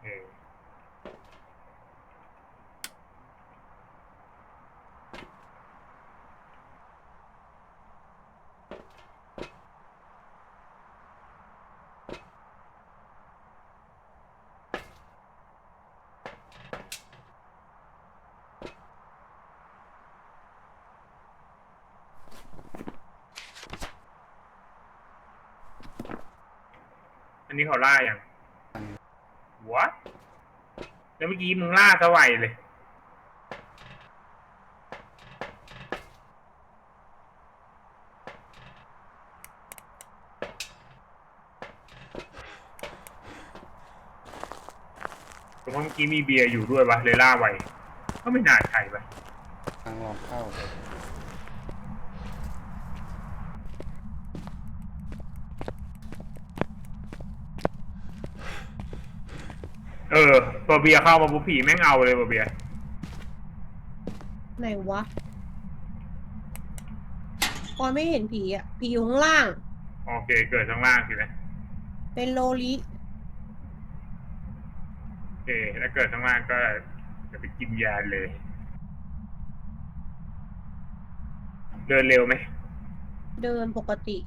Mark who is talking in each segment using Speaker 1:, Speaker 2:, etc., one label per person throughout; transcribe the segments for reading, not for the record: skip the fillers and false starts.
Speaker 1: เอออันนี้เขาล่าอย่างวะแล้วเมื่อกี้มึงล่าสวัยเลยเพราะเมื่อกี้มีเบียร์อยู่ด้วยวะเลยล่าไวก็ไม่น่าใช่ปะ
Speaker 2: ทางลองเข้า
Speaker 1: เออตัวเบียร์เข้ามาปุ๊บผีแม่งเอาเลยตัวเบียร์
Speaker 3: ไหนวะปอยไม่เห็นผีอ่ะผีอยู่ข้างล่าง
Speaker 1: โอเคเกิดข้างล่างสินะ
Speaker 3: เป็นโลลิ
Speaker 1: โอเคแล้วเกิดข้างล่างก็จะไปกินยาเลย เดินเร็วไหม
Speaker 3: เดินปกติ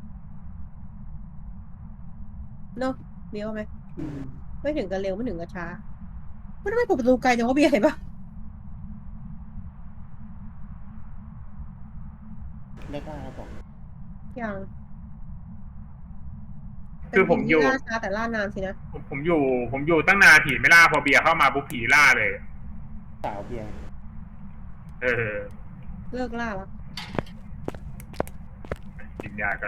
Speaker 3: เนาะเบี้ยวไหมไม่ถึงกับเร็วไม่ถึงกับช้าไม่ทำไมเปิดประตูไกลจังวะเบียร์เห็นปะ
Speaker 2: ได้กล้าครับผม
Speaker 3: ยังเป็
Speaker 1: คื
Speaker 3: นผี
Speaker 1: อผมอยู่
Speaker 3: ที่ล่าช้าแต่ล่านานสินะ
Speaker 1: ผมอยู่ตั้งนานผีไม่ล่าพอเบียร์เข้ามาปุ๊บผีล่าเลย
Speaker 2: สาวเบียร์
Speaker 1: เออ
Speaker 3: เลิกล่าแล้ว
Speaker 1: กินยากัน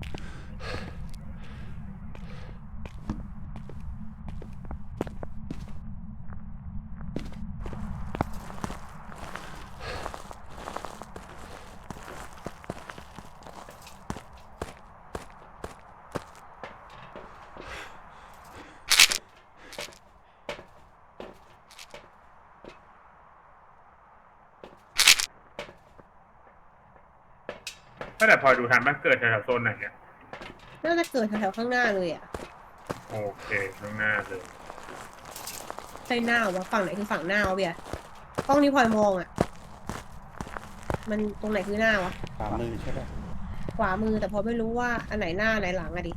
Speaker 1: ก็แต่พอดูทันมันเกิดแถวๆโซนไหนเนี่ย
Speaker 3: น่าจะเกิดแถวๆข้างหน้าเลยอ่ะ
Speaker 1: โอเคข้างหน้าเลย
Speaker 3: ใช่หน้าวะฝั่งไหนคือฝั่งหน้าวะเบียร์กล้องนี้พลอยมองอ่ะมันตรงไหนคือหน้าวะ
Speaker 2: ขวามือใช่ไหม
Speaker 3: ขวามือแต่พอไม่รู้ว่าอันไหนหน้าอันไหนหลังอะดิ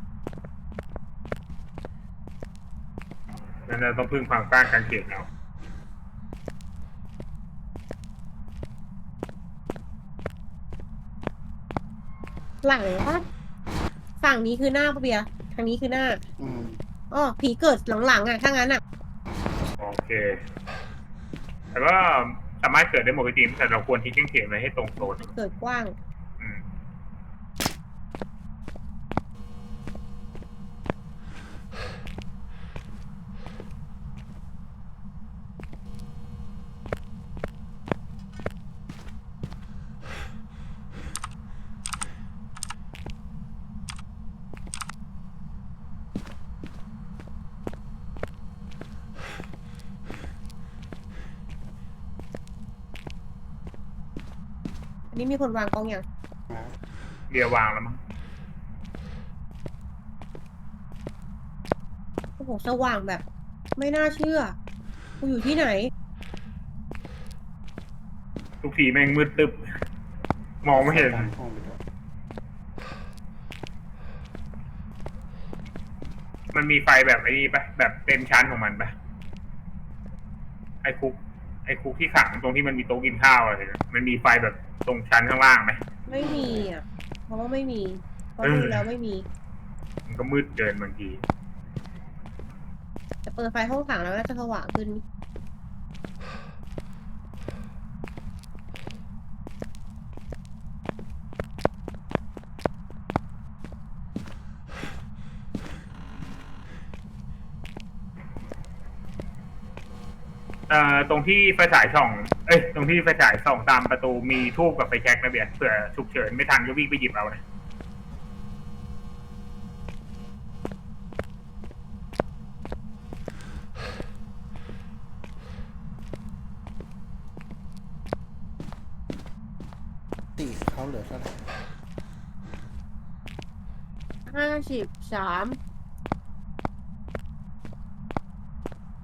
Speaker 1: นั่นเราต้องพึ่งความกล้ากางเขนเอา
Speaker 3: หลังปะฝั่งนี้คือหน้าปะเบียร์ทางนี้คือหน้า
Speaker 2: อืม
Speaker 3: อ๋อผีเกิดหลังๆอ่ะถ้างั้นอ่ะ
Speaker 1: โอเคแต่ว่าสามารถเกิดได้หมดจริงแต่เราควรทิ้งกางเขนไว้ให้ตรงโซน
Speaker 3: เกิดกว้าง
Speaker 1: อืม
Speaker 3: อันนี้มีคนวางกล้องยัง
Speaker 2: นะ
Speaker 1: เบียร์วางแล้วมั้ง
Speaker 3: โอ้โหสว่างแบบ ไม่น่าเชื่อกูอยู่ที่ไหน
Speaker 1: ทุกทีแม่งมืดตึบมองไม่เห็น
Speaker 2: ตามห้องไปด้วย
Speaker 1: มันมีไฟแบบไอ้นี่ปะแบบเต็มชั้นของมันปะไอ้คุกไอ้คุกที่ขังตรงที่มันมีโต๊ะกินข้าวอะไรเนี่ยมันมีไฟแบบตรงชั้นข้างล่างไหม
Speaker 3: ไม่มีอ่ะเพราะว่าไม่มีเพราะดูแล้วไม่มี
Speaker 1: มันก็มืดเกินบางที
Speaker 3: แต่เปิดไฟห้องขังแล้วน่าจะสว่างขึ้น
Speaker 1: ตรงที่ไฟฉายส่องตรงที่ไฟฉายส่องตามประตูมีทูบกับไฟแช็กนะเบียร์เผื่อฉุกเฉินไม่ทันก็วิ่งไปหยิบเอานะ
Speaker 2: ตีเขาเหลือเท่าไหร่
Speaker 3: 53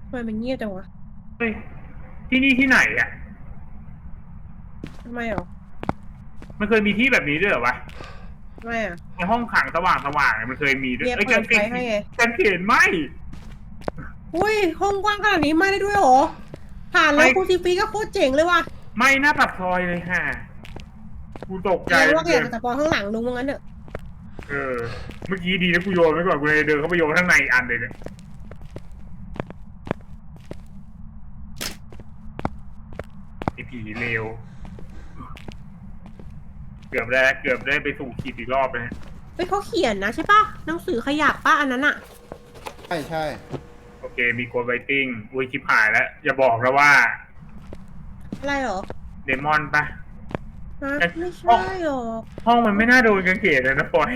Speaker 3: ทำไมมันเงียบจังวะ
Speaker 1: เฮ้ยที่นี่ที่ไหนอ่ะ
Speaker 3: ทำไมหรอ
Speaker 1: มันเคยมีที่แบบนี้ด้วยเหรอวะ
Speaker 3: ทำไมอ่ะ
Speaker 1: ในห้องขังสว่างๆมันเคยมีด้วย
Speaker 3: เบียร์
Speaker 1: อ้
Speaker 3: เปิดไฟให้ไง
Speaker 1: กางเขนไหม
Speaker 3: อุ้ยห้องกว้างขนาดนี้ไม่ได้ด้วยเหรอ ผ่านแล้ว
Speaker 1: ไม่
Speaker 3: คูซิฟีก็โคตรเจ๋งเลยว่ะ
Speaker 1: ไม่หน้าปากซอยเลยค่ะกูตกใจ
Speaker 3: แล้ว่า
Speaker 1: เล
Speaker 3: อย ยากจะปอนข้างหลังลุงว่างั้นเถอะ
Speaker 1: เออ เมื่อกี้ดีนะกูโยนไว้ก่อนกูเลยเดินเข้าไปโยนข้างในอีกอันเลยเนี่ยไอผีเลวเกือบได้ไปสู่ขีดอีกรอบเลย
Speaker 3: เฮ้ยเขาเขียนนะใช่ปะหนังสือขยับปะอันนั้นอะ
Speaker 2: ใช่ใช่
Speaker 1: โอเค มีโกดไวติ้งอุ้ยชิบหายแล้ว อย่าบอกนะว่า
Speaker 3: อะไรหรอ
Speaker 1: เดมอนปะ
Speaker 3: ฮะไม่ใช่หรอ
Speaker 1: ห้องมันไม่น่าโดนกางเขนเลยนะปอย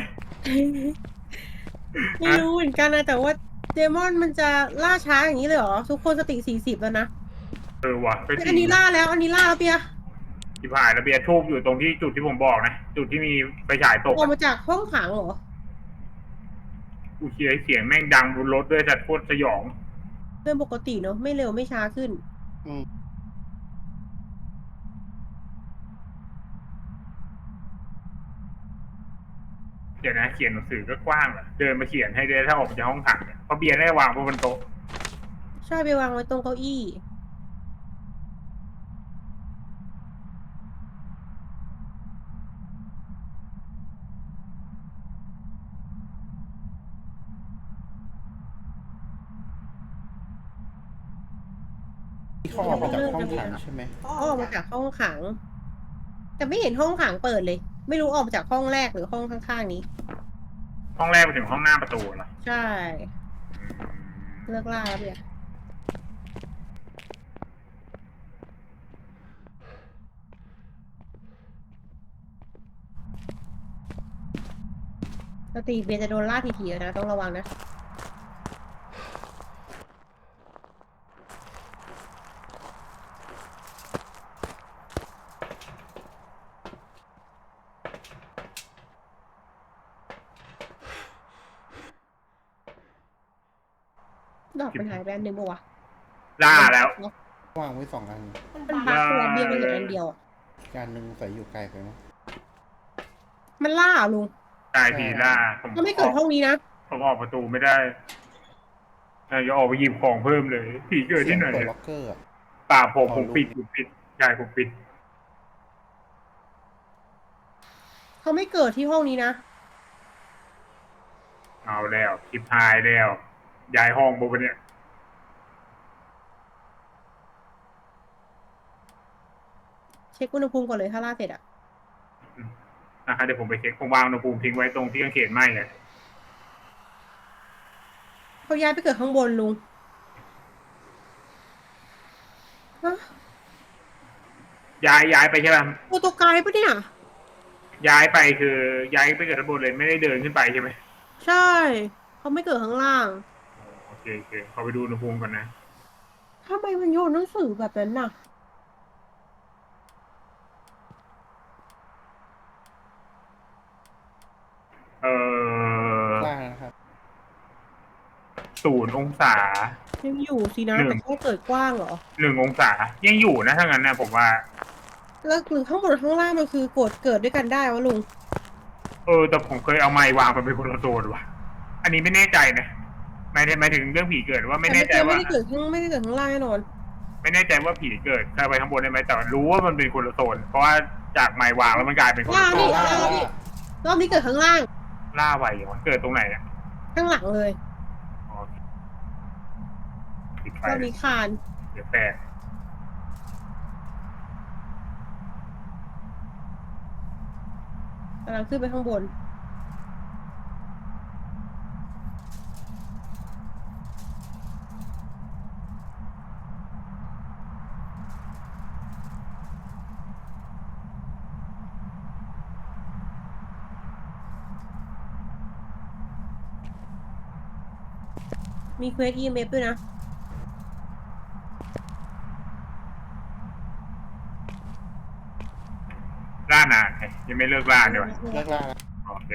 Speaker 3: ไม่รู้เหมือนกันนะแต่ว่าเดมอนมันจะล่าช้าอย่างนี้เลยเหรอ ทุกคนสติ40แล้วนะ
Speaker 1: เออว่ะก็จริง
Speaker 3: อันนี้ล่าแล้วอันนี้ล่าแล้วเปีย
Speaker 1: ชิบหายแล้วเบียร์ทูบอยู่ตรงที่จุดที่ผมบอกนะ จุดที่มีไฟฉายตก
Speaker 3: ออกมาจากห้องขังเหรอ
Speaker 1: กูเชียร์เสียงแม่งดังบนรถด้วยแต่โคตรสยอง
Speaker 3: เรื่องปกติเนอะไม่เร็วไม่ช้าขึ้น
Speaker 2: อืม
Speaker 1: เดี๋ยวนะเขียนหนังสือก็กว้างอะเดินมาเขียนให้ได้ถ้าออกมาจากห้องขังเนี่ยเพราะเบียร์ได้วางบนโต๊ะ
Speaker 3: ใช่ไปวางไว้ตรงเก้าอี้
Speaker 2: ที่เขาออกมาจากห้องขังใช่ไหม
Speaker 3: ออกมาจากห้องขัง แต่ไม่เห็นห้องขังเปิดเลย ไม่รู้ออกมาจากห้องแรกหรือห้องข้างๆนี้
Speaker 1: ห้องแรกไปถึงห้องหน้าประตูเหรอ
Speaker 3: ใช่เลิกล่าแล้วเบียร์ปกติเบียร์จะโดนล่าทีๆแล้วนะต้องระวังนะ ดอกมันหายไปอันหนึ่งปะวะ
Speaker 1: ล่าแล้ว
Speaker 2: วางไว้2 อัน
Speaker 3: มันบักตัวเบียร์มันเหลืออันเดียวอะ
Speaker 2: การหนึ่งใส่อยู่ไกลไปมั้ง
Speaker 3: มันล่าเหรอลุง
Speaker 1: ตายผีล่าผม
Speaker 3: ก็ไม่เกิดห้องนี้นะ
Speaker 1: ผมออกประตูไม่ได้อย่าออกไปหยิบของเพิ่มเลย ผีเกิด
Speaker 2: เสีย
Speaker 1: ที่
Speaker 2: ง
Speaker 1: ไหน
Speaker 2: เปิด
Speaker 1: อะ
Speaker 2: ล็อกเกอร์อะ
Speaker 1: ป่าผมปิดใช่ผมปิด
Speaker 3: เขาไม่เกิดที่ห้องนี้นะ
Speaker 1: เอาแล้วคลิปหายแล้วย้ายห้องปุ๊บเนี่ย
Speaker 3: เช็คอุณหภูมิก่อนเลยถ้าล่าเสร็จอะ
Speaker 1: นะครับเดี๋ยวผมไปเช็คผมวางอุณหภูมิทิ้งไว้ตรงที่กางเขนไหม้เลย
Speaker 3: เขาย้ายไปเกิดข้างบนลุงฮะ
Speaker 1: ย้ายไปใช่ไหม
Speaker 3: โปรโตไกด์ปะเนี่ย
Speaker 1: ย้ายไปคือย้ายไปเกิดข้างบนเลยไม่ได้เดินขึ้นไปใช่ไหม
Speaker 3: ใช่ เขาไม่เกิดข้างล่าง
Speaker 1: โอเคขอไปดูอุณหภูมิก่อนนะ
Speaker 3: ทำไมมันโยนหนังสือแบบนั้นน่ะ
Speaker 2: ล่านะครับ
Speaker 1: 0 องศา
Speaker 3: ยังอยู่สินะ
Speaker 1: หนึ่ง
Speaker 3: แต่แค่เกิดกว้างเหรอ
Speaker 1: 1 องศายังอยู่นะถ้างั้นนะผมว่า
Speaker 3: แล้วหรือข้างบนข้างล่างมันคือกดเกิดด้วยกันได้วะลุง
Speaker 1: แต่ผมเคยเอาไม้วางมันเป็นคนละโซนว่ะ อันนี้ไม่แน่ใจนะหมายถึงเรื่องผีเกิดว่าไม่แน่ใจ
Speaker 3: แต่
Speaker 1: ว่า
Speaker 3: ไม่ได้เกิดข้างล่างแน่นอน
Speaker 1: ไม่แน่ใจว่าผีเกิดเข้าไปข้างบนได้ไหมแต่รู้ว่ามันเป็นคนละโซน เพราะว่าจากไม้วางแล้วมันกลายเป็นคนละโซน
Speaker 3: ล่าดิ รอบนี้เกิดข้างล่าง
Speaker 1: ล่าไวเหรอเกิดตรงไหนอ่ะ
Speaker 3: ข้างหลังเลย
Speaker 1: อ๋อปิดไฟ
Speaker 3: รอบนี้คาน
Speaker 1: เดี๋ยวแตก
Speaker 3: กำลังขึ้นไปข้างบน มีเควส EMF ด้วยนะ
Speaker 1: ล่านานไงยังไม่เลิกล่าเลยวะ
Speaker 2: เลิกล่าแล้ว
Speaker 1: โอเค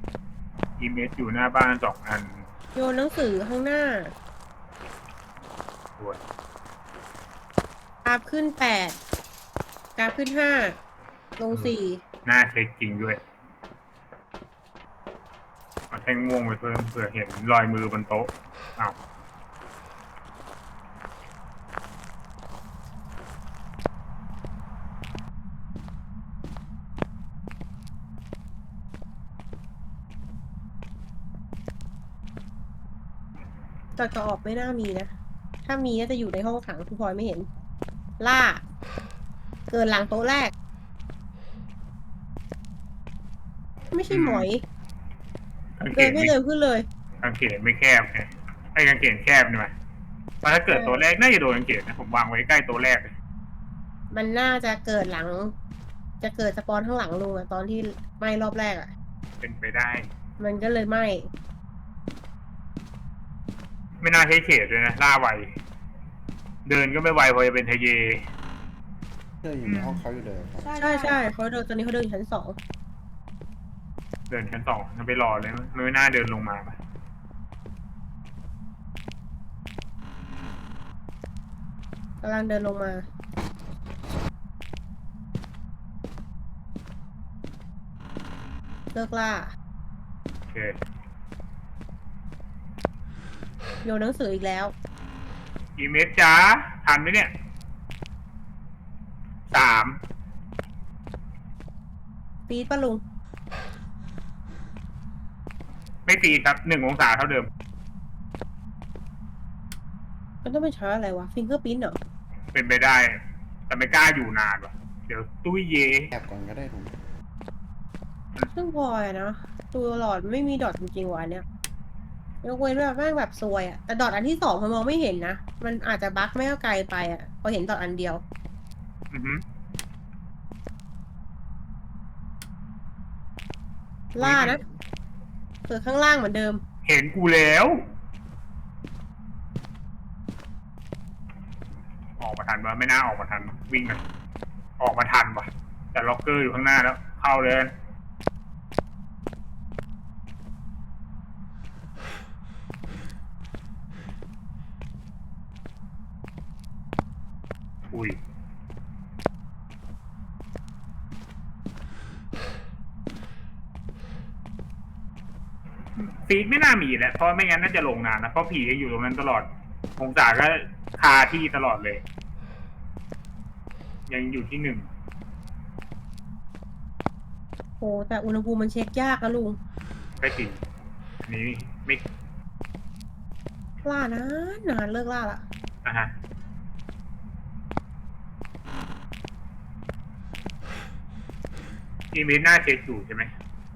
Speaker 1: อีเมสอยู่หน้าบ้าน2 อัน
Speaker 3: โยนหนังสือข้างหน้า
Speaker 1: วย
Speaker 3: กราฟขึ้น8กราฟขึ้น5ลง4
Speaker 1: หน้าเช็คจริงด้วยเอาแท่งม่วงไปเพิ่มเผื่อเห็นรอยมือบนโต๊ะอ้าว
Speaker 3: จอดก็ออกไม่น่ามีนะ ถ้ามีน่าจะอยู่ในห้องขังคุณพลอยไม่เห็น ล่า เกินหลังโต๊ะแรก ไม่ใช่หมอย
Speaker 1: กางเข
Speaker 3: เดิน
Speaker 1: น
Speaker 3: ไม่
Speaker 1: ไม่
Speaker 3: เร็วขึ้นเลย
Speaker 1: กางเขนไม่แคบไงไอ้กางเขนแคบใช่ไหมเพราะถ้าเกิดตัวแรกน่าจะโดนกางเขนนะผมวางไว้ใกล้ตัวแรกเลย
Speaker 3: มันน่าจะเกิดหลัง จะเกิดสปอนข้างหลังลุงอะตอนที่ไหม้รอบแรกอะ
Speaker 1: เป็นไปได้
Speaker 3: มันก็เลยไหม้
Speaker 1: ไม่น่าใช้เขตเลยนะล่าไวเดินก็ไม่ไวพอจะเป็นทะเย
Speaker 2: เดินอยู่ในห้องเขาอยู่เลยครับ
Speaker 3: ใช่เขาเดินตอนนี้เขาเดินอยู่ชั้น2
Speaker 1: เดินชั้น2จะไปรอเลยมันไม่น่าเดินลงมาปะ
Speaker 3: กำลังเดินลงมา เลิกล่า
Speaker 1: โอเค
Speaker 3: โยนหนังสืออีกแล้ว
Speaker 1: กี่เมตรจ้าทันไหมเนี่ย3
Speaker 3: ปี๊ดปะลุง
Speaker 1: ไม่ตีครับ1 องศาเท่าเดิม
Speaker 3: มันต้องเป็นช้าอะไรวะ ฟิงเกอร์พิ้นเหรอ
Speaker 1: เป็นไปได้ แต่ไม่กล้าอยู่นานว่ะ เดี๋ยวตุ้ยเย
Speaker 2: แอบก่อนก็ได้ผม
Speaker 3: ซึ่งพลอยอะนะตัวหลอดไม่มีดอทจริงๆวะอันเนี้ยยกเว้นแบบแม่งแบบซวยอะแต่ดอทอันที่2มันมองไม่เห็นนะ มันอาจจะบั๊กไม่เอาไกลไปอะพอเห็นดอทอันเดียว
Speaker 1: อือฮึ
Speaker 3: ล่านะเปิดข้างล่างเหมือนเดิม
Speaker 1: เห็นกูแล้ว ออกมาทันปะไม่น่าออกมาทัน วิ่งเลยออกมาทันปะแต่ล็อกเกอร์อยู่ข้างหน้าแล้ว เข้าเลยอุ้ยฟีดไม่น่ามีแหละเพราะไม่งั้นน่าจะลงนานนะเพราะผีจะอยู่ตรงนั้นตลอดองศาก็คาที่ตลอดเลย ยังอยู่ที่1
Speaker 3: โอ้แต่อุณหภูมิมันเช็คยากนะลุง
Speaker 1: ไปถึงอันนี้ไม่
Speaker 3: ล่านานเลิกล่าละ
Speaker 1: นะฮะอีเมลหน้าเช็คอยู่ใช่ไหม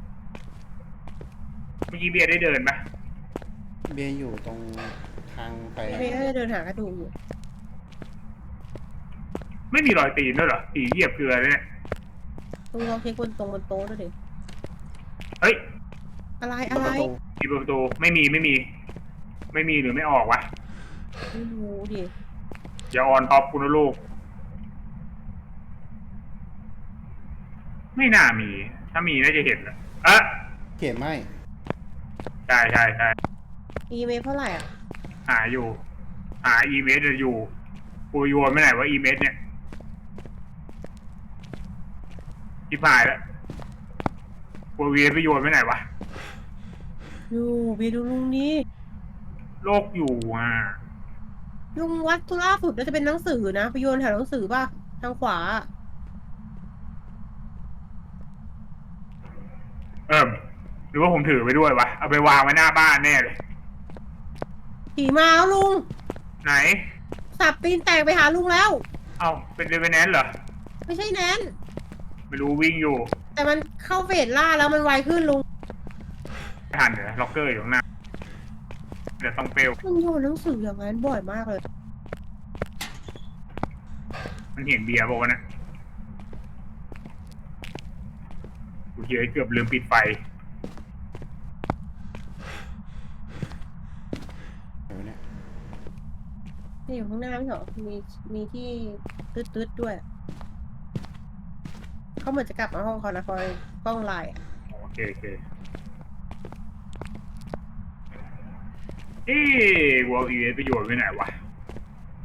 Speaker 1: เมื่อกี้เบียร์ได้เดินปะ
Speaker 2: เบียร์อยู่ตรงทางไป
Speaker 3: เมย์ก็จะเดินหากระดูกอยู่
Speaker 1: ไม่มีรอยตีนด้วยเหรอตีเหยียบเกลือเลยเนี่ย
Speaker 3: ลุงลองเช็คบนโต๊ะด้วยดิ
Speaker 1: เฮ้ย
Speaker 3: อะไร
Speaker 2: ประตู
Speaker 1: มีประตูไม่มีหรือไม่ออกวะ
Speaker 3: ไม่รู้ดิ
Speaker 1: อย่าออนท็อปคุณนะลูกไม่น่ามี ถ้ามีน่าจะเห็นแหละอ่ะ
Speaker 2: เขียนไม่
Speaker 1: ใช่ใช่ใช่
Speaker 3: อีเมลเท่าไหร่อ่ะ
Speaker 1: หาอยู่ หาอีเมลจะอยู่กูโยนไม่ไหนว่าอีเมลเนี่ยที่ผ่านแล้วกูเวียนไปโยนไม่ไหนวะ
Speaker 3: อยู่เบียร์ดูลุงนี่
Speaker 1: โลกอยู่อ่ะ
Speaker 3: ลุงวัดทุล่าสุดน่าจะเป็นหนังสือนะไปโยนแถวหนังสือป่ะ ทางขวา
Speaker 1: หรือว่าผมถือไปด้วยวะ เอาไปวางไว้หน้าบ้านแน่เลย
Speaker 3: ผีมาแล้วลุง
Speaker 1: ไหน
Speaker 3: สับตีนแตกไปหาลุงแล้ว
Speaker 1: เอาเป็นเรเวนแนนเหรอ
Speaker 3: ไม่ใช่แนน
Speaker 1: ไม่รู้วิ่งอยู่
Speaker 3: แต่มันเข้าเฟสล่าแล้วมันไวขึ้นลุง
Speaker 1: ไม่ทันเดี๋ยวล็อกเกอร์อยู่ข้างหน้า เดี๋ยวต้องเปลว
Speaker 3: มันโยนหนังสืออย่างนั้นบ่อยมากเลย
Speaker 1: มันเห็นเบียร์บอกว่านะกูเกือบลืมปิดไฟ
Speaker 2: เดี๋ยวเนี่ย
Speaker 3: นี่อยู่ข้างหน้าไม่เหรอมีที่ตืดๆด้วย เขาเหมือนจะกลับมาห้องเขานะคอยกล้องไลน์อะ
Speaker 1: โอเควอลอีเวนต์ประโยชน์ไปไหนวะ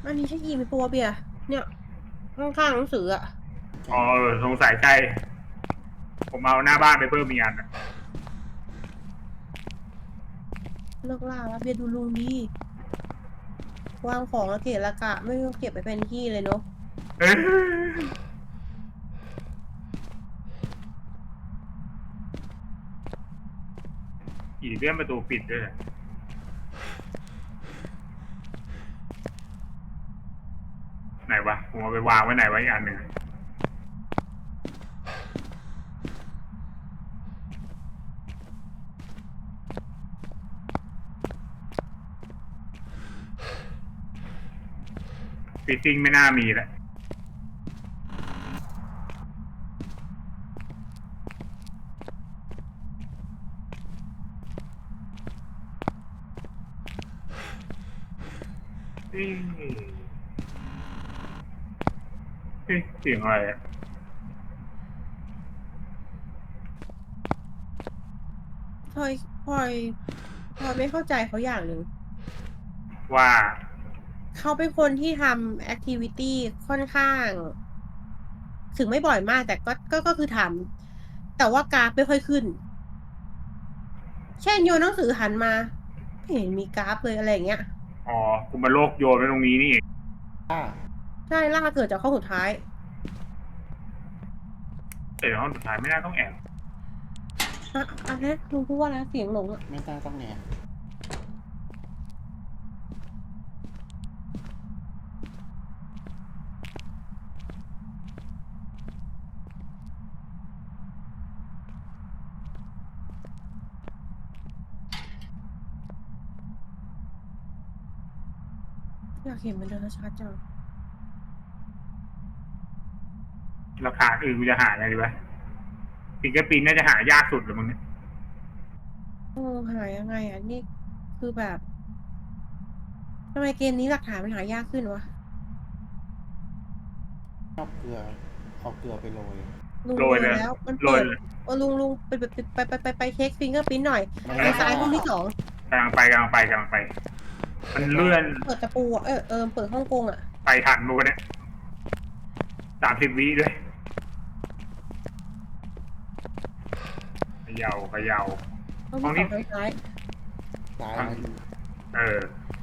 Speaker 3: อันนี้ใช่อีไหมปัวเบียร์เนี่ยข้างๆหนังสืออะ
Speaker 1: อ๋อสงสัยใช่ผมเอาหน้าบ้านไปเพิ่มมีกอันอะ
Speaker 3: เลิกล่าแล้วเบียร์ดูลุงดีวางของแล้วเกะระกะไม่ต้องเก็บไปเป็นที่เลยเนาะ
Speaker 1: เอ้ยอีเลื่อนประตูปิดด้วยไหนวะผมเอาไปวางไว้ไหนไว้อีกอันหนึ่งฟิตติ้งไม่น่ามีแล้วเอ๊ะเอ๊ะเสียงอะไรอะ
Speaker 3: พลอยพลอยพลอยไม่เข้าใจเขาอย่างหนึ่ง
Speaker 1: ว่า
Speaker 3: เขาเป็นคนที่ทำแอคทิวิตี้ค่อนข้าง ถึงไม่บ่อยมากแต่ก็คือทำแต่ว่ากราฟไม่ค่อยขึ้น เช่นโยนหนังสือหันมาไม่เห็นมีกราฟเลยอะไรอย่างเงี้ย
Speaker 1: อ๋อกุมารโลกโยนไว้ตรงนี้นี่เอง
Speaker 2: อ่า
Speaker 3: ใช่ล่าเกิดจากข้อสุดท้าย
Speaker 1: แต่ห้องสุดท้ายไม่น่าต้องแอบ
Speaker 3: อะไรนะลุงพูดว่าอะไรนะเสียงหลงอะ
Speaker 2: ไม่น่าต้องแง
Speaker 3: อยากเห็นมันเดินชัดๆจัง
Speaker 1: ราคาอื่นกูจะหาอะไรดีวะฟิงเกอร์ปิ้นน่าจะหายากสุดหรือมึงเนี่ย
Speaker 3: หายังไงอ่ะนี่คือแบบทำไมเกมนี้หลักฐานมันหายากขึ้นวะ
Speaker 2: เอาเกลือไปโรย
Speaker 3: ลุง
Speaker 1: โรยเลย
Speaker 3: แล้วมัน
Speaker 1: โร
Speaker 3: เปิ
Speaker 1: ย
Speaker 3: ด
Speaker 1: เลย
Speaker 3: ลุงไปเช็คฟิงเกอร์พิ้นหน่อย
Speaker 2: ไม่
Speaker 3: ทางซ้ายห้องที่สอง
Speaker 1: กำลังไป มันเลื่อน
Speaker 3: เปิดตะปูอ่ะเปิดฮ่องกงอ่ะ
Speaker 1: ไปทันมูกันเนี่ย30 วิด้วยเขย่า
Speaker 3: ห้องที่สองทางซ้าย
Speaker 2: ซ้ายนะ
Speaker 1: เออ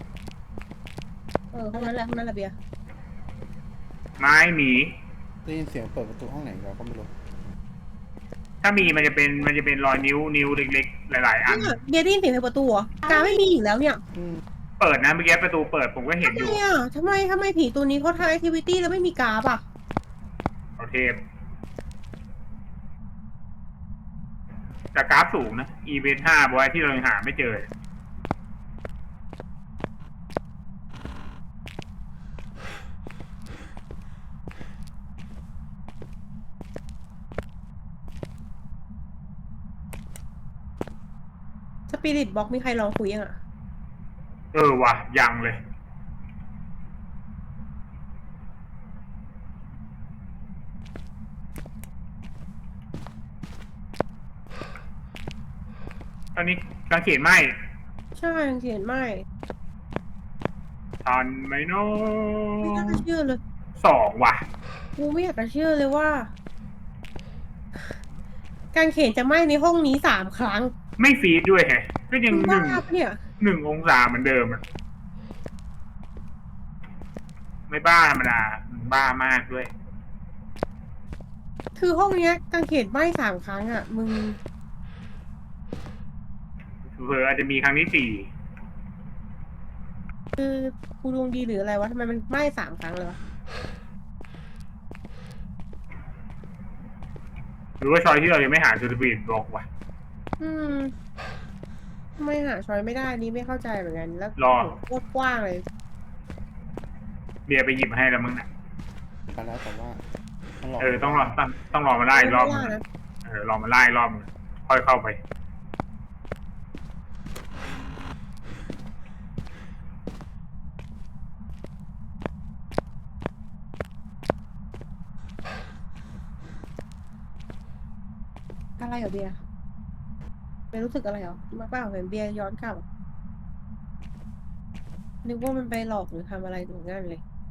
Speaker 3: ห้องนั้นแหละเบียร์
Speaker 1: ไม้หมี
Speaker 2: ได้ยินเสียงเปิดประตูห้องไหนเราก็ไม่รู้
Speaker 1: ถ้ามีมันจะเป็นรอยนิ้วเล็กๆ หลายๆ อัน
Speaker 3: เนี่ยเบียร์ได้ยินเสียงในประตูเหรอการไม่มีอีกแล้วเนี่ย
Speaker 2: อืม
Speaker 1: เปิดนะเมื่อกี้ประตูเปิดผมก็เห็นอยู่
Speaker 3: ทำไมผีตัวนี้เขาทำแอคทิวิตี้แล้วไม่มีกราฟอ่ะ
Speaker 1: เอาเทปแต่กราฟสูงนะ อีเวนต์5บอยที่เรายังหาไม่เจอ
Speaker 3: สปิริตบ็อกมีใครลองคุยยังอ่ะ
Speaker 1: เออว่ะยังเลย ตอนนี้กางเขนไหม
Speaker 3: ใช่เขียนไม่
Speaker 1: ทันไหมเนา
Speaker 3: ไม่น่า
Speaker 1: ะ
Speaker 3: เชื่อเลย
Speaker 1: 2 ว่ะ
Speaker 3: กูไม่อยากจะเชื่อเลยว่า การเขียนจะไหม้ในห้องนี้3 ครั้ง
Speaker 1: ไม่ฟีดด้วยแฮะก็ยัง
Speaker 3: บ้าปะเนี่ย
Speaker 1: 1 องศาเหมือนเดิมอะไม่บ้าธรรมดาบ้ามากด้วย
Speaker 3: คือห้องเนี้ยกางเขนไหม้3 ครั้งอ่ะ มึง
Speaker 1: เผลออาจจะมีครั้งที่
Speaker 3: คือกูดวงดีหรืออะไรวะทำไมมันไหม้3 ครั้งเลยวะ
Speaker 1: 4หรือว่าชอยที่เรายังไม่หาจูดบีดบอกว่ะ
Speaker 3: ทำไมหาช้อยไม่ได้นี่ไม่เข้าใจเหมือนกันแล้ว
Speaker 1: รอ
Speaker 3: โคตรกว้างเลย
Speaker 1: เบียร์ไปหยิบให้แล้วมึงนะ
Speaker 2: ไปแล้วแต่ว่ามันหลอก
Speaker 1: ต้องรอมาไล่อีกรอบนึง
Speaker 3: ไม่ว่านะ
Speaker 1: รอมาไล่อีกรอบนึงค่อยเข้าไป
Speaker 3: อะไรเหรอเบียร์ไม่รู้สึกอะไรเหรอมาเปล่าเห็นเบียร์ย้อนกลับนึกว่ามันไปหลอกหรือทำอะไรถึงนั่นเลย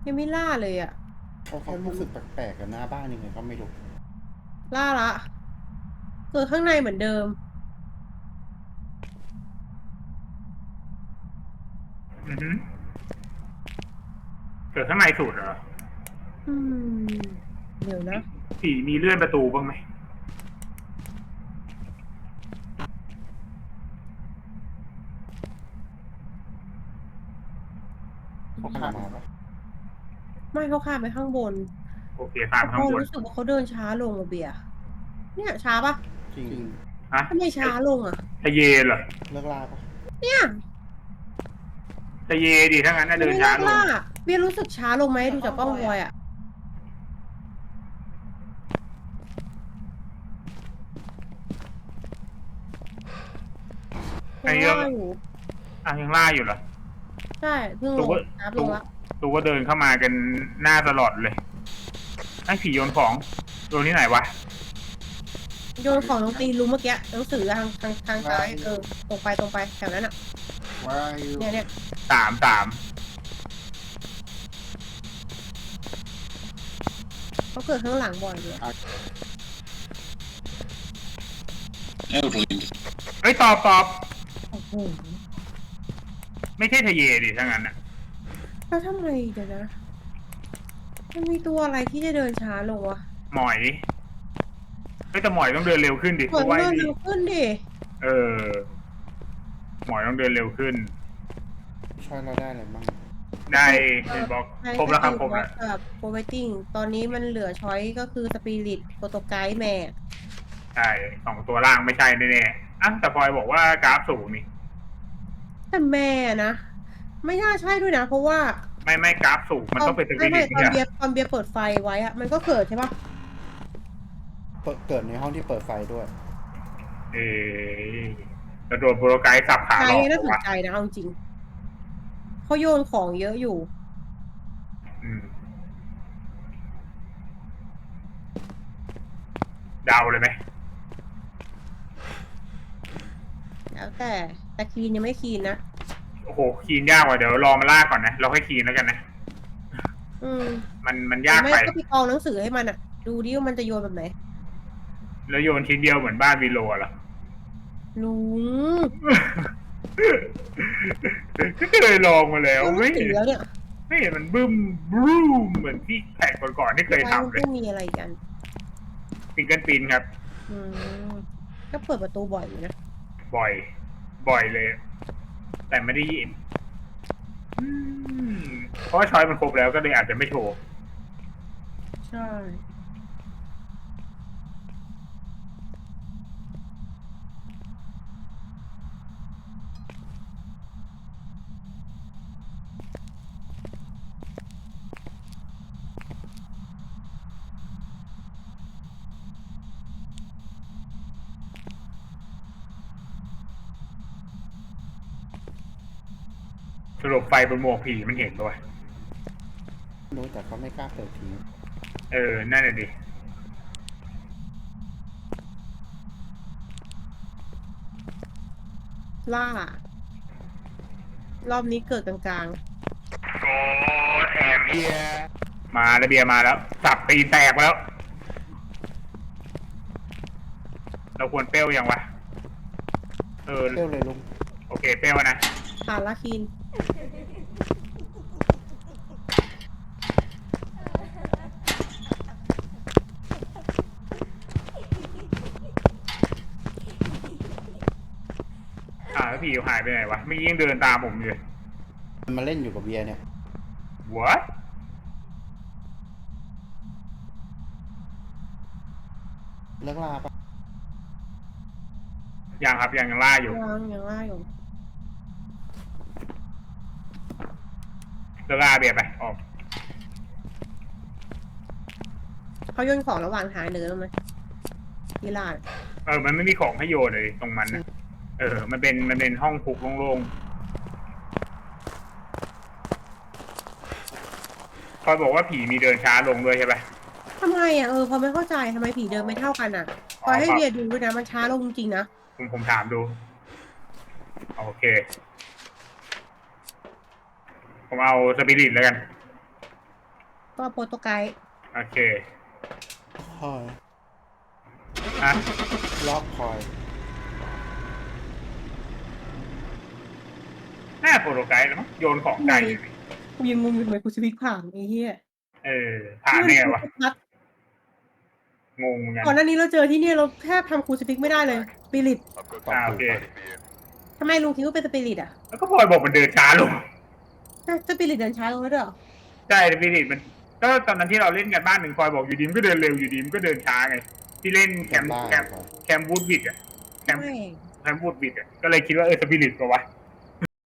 Speaker 3: ยังไม่ล่าเลยอะ
Speaker 2: เขารู้สึกแปลกๆกับหน้าบ้านยังไงก็ไม่รู้
Speaker 3: ล่าละเกิดข้างในเหมือนเดิม
Speaker 1: อือฮึเกิดข้างในสุดเหรอ
Speaker 3: อืม เดี๋ยวนะ
Speaker 1: ผีมีเลื่อนประตูบ้างไหม
Speaker 2: เขาข้ามมาปะ
Speaker 3: ไม่เขาข้ามไปข้างบน
Speaker 1: โอเคข้ามข้างบน
Speaker 3: รู้สึกว่าเขาเดินช้าลงอะเบียร์เนี่ยช้าปะ
Speaker 2: จริง
Speaker 1: ฮะ
Speaker 3: ทำไมช้าลงอะ
Speaker 1: ทะเยเหรอ
Speaker 2: เลิกล่าปะ
Speaker 3: เนี่ย
Speaker 1: ทะเยดิถ้างั้นน่ะเดิน
Speaker 3: ไม่
Speaker 1: ช้า
Speaker 3: เลิก
Speaker 1: ลง
Speaker 3: ล่าเบียร์รู้สึกช้าลงไหมดูจากกล้องวอยอะ
Speaker 1: ไอ้
Speaker 3: ยัง
Speaker 1: เรื่อง
Speaker 3: ล่าอยู่
Speaker 1: ยังล่าอยู่เหรอ
Speaker 3: ใช่เพิ่งล
Speaker 1: ตู
Speaker 3: ง
Speaker 1: ก็
Speaker 3: นับล
Speaker 1: ตู
Speaker 3: งละ
Speaker 1: ตูก็เดินเข้ามากันหน้าตลอดเลยไอ้ผีโยนของโยนที่ไหนวะ
Speaker 3: โยนของลงตีนรู้เมื่อกี้หนังสือทางซ้ายตรงไปแถวนั้นอะ
Speaker 2: Where are you
Speaker 3: เนี่ย
Speaker 1: สาม
Speaker 3: เขาเกิดข้างหลังบ่อยเลย
Speaker 4: Evelyn,
Speaker 1: เอ้ยตอบ
Speaker 3: โอ้โห
Speaker 1: ไม่ใช่ทะเยดิถ้างั้นน่ะ
Speaker 3: แล้วทำไมเดี๋ยวนะมันมีตัวอะไรที่จะเดินช้าลงวะ
Speaker 1: หมอยเฮ้ยแต่หมอยต้องเดินเร็วขึ้นดิ
Speaker 3: เหมือน
Speaker 1: เพราะว่า
Speaker 3: เดิน
Speaker 1: นี่
Speaker 3: เร็วขึ้นดิ
Speaker 1: เออ หมอยต้องเดินเร็วขึ้น
Speaker 2: ช่วยเราได้อะไรบ้าง
Speaker 1: ได้เห็นบอกครบแล้วครับครบแล้ว
Speaker 3: กับโปรไวติ้งตอนนี้มันเหลือช้อยก็คือสปิริตโปรโตไกด์แม่
Speaker 1: ใช่สองตัวล่างไม่ใช่แน่ๆอ่ะแต่พลอยบอกว่ากราฟสูงนี่
Speaker 3: แต่แม่นะ ไม่น่าใช่ด้วยนะ เพราะว่า
Speaker 1: ไม่กราฟสูงมันต้องเป็นสปิ
Speaker 3: ไม่
Speaker 1: ริต
Speaker 3: ตอน
Speaker 1: เนี่ย
Speaker 3: ตอนเบียร์เปิดไฟไว้อะมันก็เกิดใช่ปะ
Speaker 2: เกิดในห้องที่เปิดไฟด้วย
Speaker 1: เออกระโดดโปรไกด์สับขา
Speaker 3: ใจ
Speaker 1: หลอก
Speaker 3: น่าสน
Speaker 1: วะ
Speaker 3: ใจนะเอาจริงเขาโยนของเยอะอยู่
Speaker 1: อืมเดาเลยไหม
Speaker 3: แล้วแต่คีนยังไม่คีนนะ
Speaker 1: โอ้โหคีนยากว่ะเดี๋ยวรอมาล่าก่อนนะเราค่อยคีนแล้วกันนะ
Speaker 3: อืม
Speaker 1: มันยาก
Speaker 3: ไม่
Speaker 1: ไป
Speaker 3: ก็ไปกองหนังสือให้มันอะดูดิว่ามันจะโยนแบบไหน
Speaker 1: แล้วโยนชิ้นเดียวเหมือนบ้านวีโรเหรอ
Speaker 3: ลุง
Speaker 1: ก็เคยลองมาแล้ว
Speaker 3: ก็
Speaker 1: ไม่
Speaker 3: ไม่ถึ
Speaker 1: เห็
Speaker 3: ง
Speaker 1: น
Speaker 3: แล้วเนี่ย
Speaker 1: ไม่เห็นมันบึ้มบรูมเหมือนที่แข่งก่อนๆที่เคย
Speaker 3: ไฟมัน
Speaker 1: ทำเลย
Speaker 3: ต้องมีอะไรกัน
Speaker 1: ฟิงเกิลปินครับ
Speaker 3: อืมก็เปิดประตูบ่อยอยู่นะ
Speaker 1: บ่อยเลย แต่ไม่ได้ยินอืมเพราะว่าช้อยมันครบแล้วก็เลยอาจจะไม่โชว์
Speaker 3: ใช่
Speaker 1: สรุปไฟบนหมวกผีมันเห็นด้วย
Speaker 2: รู้แต่เขาไม่กล้าเปิดที
Speaker 1: นั่นแหละดิ
Speaker 3: ล่ารอบนี้เกิดกลาง
Speaker 1: โกแอมเบียมาแล้วเบียร์มาแล้ว สับตีนแตกมาแล้ว เราควรเปรี้ยวยังวะ
Speaker 2: เร็วเลยลุง
Speaker 1: โอเคเปรี้ยวนะ
Speaker 3: ๆผ่านละคีน
Speaker 1: แล้วผีหายไปไหนวะเมื่อกี้ยังเดินตามผมอยู่เลย
Speaker 2: มันมาเล่นอยู่กับเบียร์เนี่ย
Speaker 1: What
Speaker 2: เลิกล่าปะ
Speaker 1: ยังครับยังล่าอยู่
Speaker 3: ยังล่าอยู่
Speaker 1: เลิกล่าเบียร์ไปออก
Speaker 3: เขาโยนของระหว่างทางเดินไหมที่ลาด
Speaker 1: มันไม่มีของให้โยนเลยตรงมันนะมันเป็นห้องคุกโล่งๆคอยบอกว่าผีมีเดินช้าลงด้วยใช่ปะ
Speaker 3: ทำไมอ่ะพอไม่เข้าใจทำไมผีเดินไม่เท่ากันอ่ะคอยให้เบียร์ดูด้วยนะมันช้าลงจริงๆนะ
Speaker 1: ผมถามดู โอเค ผมเอาสปิริตแล้วกัน
Speaker 3: ก็โปรโตไกด์
Speaker 1: โอเค
Speaker 2: คอย
Speaker 1: อ่ะ
Speaker 2: ล็อกคอย
Speaker 1: หน้าโปรโตไกด์แล้วมั้งโยนของไกล
Speaker 3: กูยังงงอยู่ทำไมกูสวิกผ่านไอ้เหี้ย
Speaker 1: ผ่านได้ไงวะ
Speaker 3: พัด
Speaker 1: งงเหมือนกัน
Speaker 3: ก่อนหน้านี้เราเจอที่เนี่ยเราแทบทำคูสปิกไม่ได้เลยสปิริต
Speaker 1: โอเค
Speaker 3: ทำไมลุงคิดว่าเป็นสปิริตอ่ะ
Speaker 1: แล้วก็พลอยบอกมันเดินช้าลง
Speaker 3: สปิริตเดินช้าลงแล้วด้วยเหรอ
Speaker 1: ใช่สปิริตมันก็ตอนนั้นที่เราเล่นกันบ้านหนึ่งพลอยบอกอยู่ดีมันก็เดินเร็วอยู่ดีมันก็เดินช้าไง ที่เล่นแคมป์วูดวิดอะแคมป์
Speaker 3: ไม่
Speaker 1: วูดวิดอะก็เลยคิดว่าสปิริตปะวะ